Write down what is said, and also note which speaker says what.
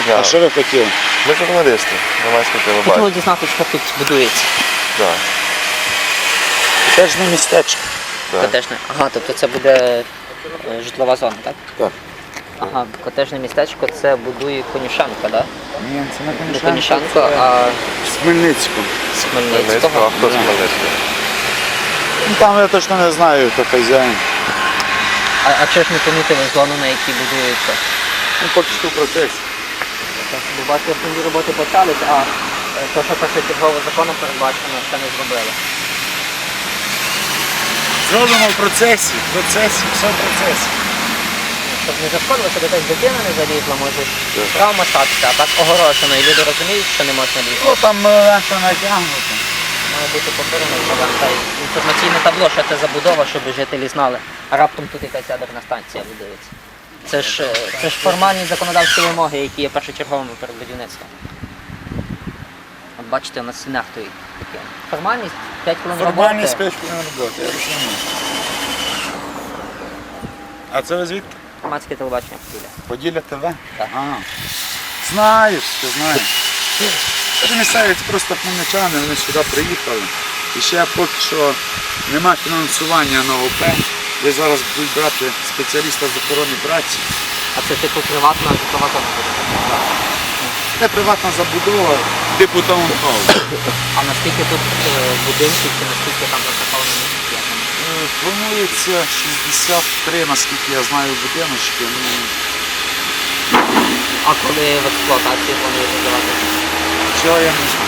Speaker 1: дня.
Speaker 2: А що ви хотіли?
Speaker 1: Ми журналісти, громадське
Speaker 3: Хотіли
Speaker 1: телебачення.
Speaker 3: дізнатися, що тут будується.
Speaker 1: Так.
Speaker 2: Котеджне містечко.
Speaker 1: Так.
Speaker 3: Котежне. Ага, тобто це буде житлова зона, так?
Speaker 2: Так.
Speaker 3: Ага, котежне містечко це будує Конюшенко, так?
Speaker 2: Ні, це не
Speaker 3: Не
Speaker 2: Конюшенко,
Speaker 3: Конюшенко,
Speaker 2: це
Speaker 3: а
Speaker 2: з Хмельницького.
Speaker 3: з
Speaker 1: Хмельницького,
Speaker 3: Хмельницького.
Speaker 1: а хто з Хмельницького?
Speaker 2: Ну, там я точно не знаю, хто хазяїн.
Speaker 3: А чи ж не помітили зону, на якій будується?
Speaker 2: Ну, поки що в процесі.
Speaker 3: Бо бачите, основні роботи почались, а то, що першочергово законом передбачено, ще не зробили.
Speaker 2: Зробимо в процесі, все в процесі.
Speaker 3: Щоб не зашкодилося, де десь дитина не залізла, може травма статися, а так огорожено, і люди розуміють, що не можна лізти.
Speaker 2: Ну, там лента натягнута.
Speaker 3: Має бути повторена та інформаційне табло, що це забудова, щоб жителі знали. А раптом тут якась ядерна станція будується. Це ж формальні законодавчі вимоги, які є першочерговими перед будівництвом. От бачите, у нас стінах стоїть таке. Формальність 5 хвилин роботи.
Speaker 2: Формальність 5 хвилин роботи, я розумію. А це ви звідки?
Speaker 3: Громадське телебачення Поділля.
Speaker 2: Поділля ТВ?
Speaker 3: Так.
Speaker 2: А. Знаєш, ти знаєш. Це місцеві, це просто хмельничани, вони сюди приїхали. І ще поки що нема фінансування на ОП, де зараз будуть брати спеціаліста з охорони праці.
Speaker 3: А це типу приватна житлова зона буде?
Speaker 2: Це приватна забудова, типу таунхаус.
Speaker 3: А наскільки тут будинків чи наскільки там розташовані місця?
Speaker 2: Планується 63, наскільки я знаю, будиночки. Ну,
Speaker 3: А коли в експлуатації планують здавати?
Speaker 2: цього я не знаю.